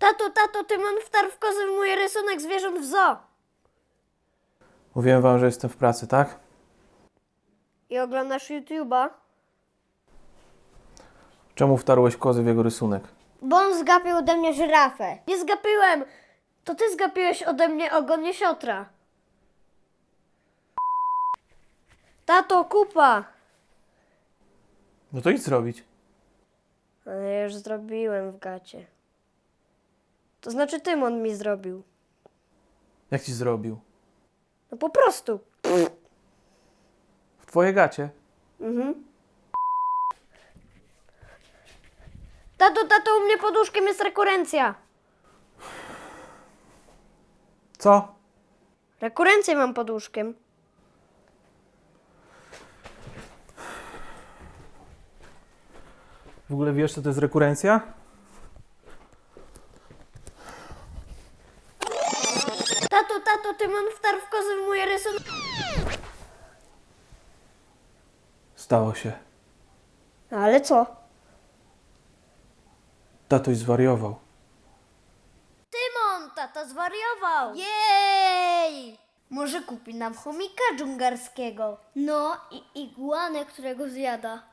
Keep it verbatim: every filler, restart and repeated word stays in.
Tato, tato, Tymon wtarł w kozy w mój rysunek zwierząt w zoo. Mówiłem wam, że jestem w pracy, tak? I oglądasz YouTube'a? Czemu wtarłeś kozy w jego rysunek? Bo on zgapił ode mnie żyrafę. Nie zgapiłem! To ty zgapiłeś ode mnie ogon jesiotra. Tato, kupa! No to idź zrobić. Ale ja już zrobiłem w gacie. To znaczy Tymon mi zrobił. Jak ci zrobił? No po prostu. W twoje gacie? Mhm. Tato, tato, u mnie pod łóżkiem jest rekurencja. Co? Rekurencję mam pod łóżkiem. W ogóle wiesz, co to jest rekurencja? Tato, tato, Tymon wtarł w kozy w mój rysunek. Stało się. Ale co? Tatoś zwariował. Tymon, tata zwariował. Jej! Może kupi nam chomika dżungarskiego. No i igłanę, którego zjada.